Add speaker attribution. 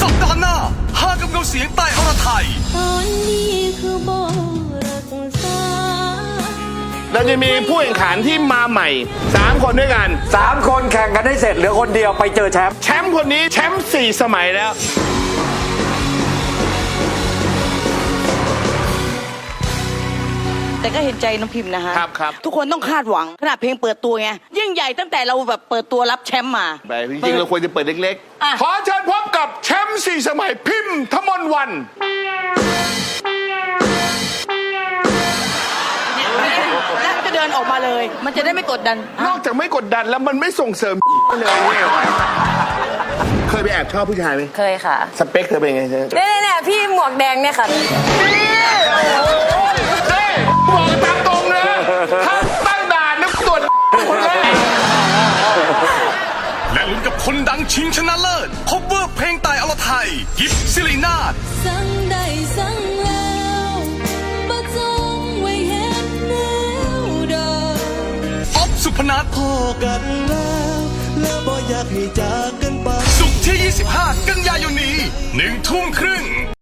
Speaker 1: สัปดาห์หน้าหากับเงาเสียงใต้อรไทย
Speaker 2: ตอนนี้คือบ่รักษา
Speaker 3: เราจะมีผู้แข่งขันที่มาใหม่3 คนด้วยกัน
Speaker 4: 3 คนแข่งกันให้เสร็จเหลือคนเดียวไปเจอแชมป์
Speaker 3: คนนี้แชมป์4 สมัยแล้ว
Speaker 5: แต่ก็เห็นใจน้องพิมพ์นะฮะ
Speaker 3: ครับ
Speaker 5: ทุกคนต้องคาดหวังขนาดเพลงเปิดตัวไงยิ่งใหญ่ตั้งแต่เราแบบเปิดตัวรับแชมป์มา
Speaker 3: ไปจริงๆเราควรจะเปิดเล็กๆขอเชิญพบกับแชมป์4 สมัยพิมพ์ธมนต์วัน
Speaker 5: แล้วจะเดินออกมาเลย มันจะได้ไม่กดดัน
Speaker 3: นอกจากไม่กดดันแล้วมันไม่ส่งเสริมเลยเนี่ยเคยไปแอบชอบผู้ชายไหม
Speaker 6: เคยค่ะ
Speaker 3: สเปคเธอเป็นไง
Speaker 6: เนี่ยพี่หมวกแดงเนี่ยค่ะ
Speaker 3: บอกตามตรงนะถ้าตั้งด่านนึกตรวจคนแรก
Speaker 1: และลุ้นกับคนดังชิงชนะเลิศคบเวอร์เพลงใต้อรไทยยิปซิลีนาถ
Speaker 2: สั่งได้สั่งแล้วบ่จงไว้เฮ็ดแนวดอก
Speaker 1: อ๊อฟสุพนัท
Speaker 7: พอกันแล้วบ่อยากให้จากกันไป
Speaker 1: ศุกร์ที่ 25 กันยายนนี้ 1 ทุ่มครึ่ง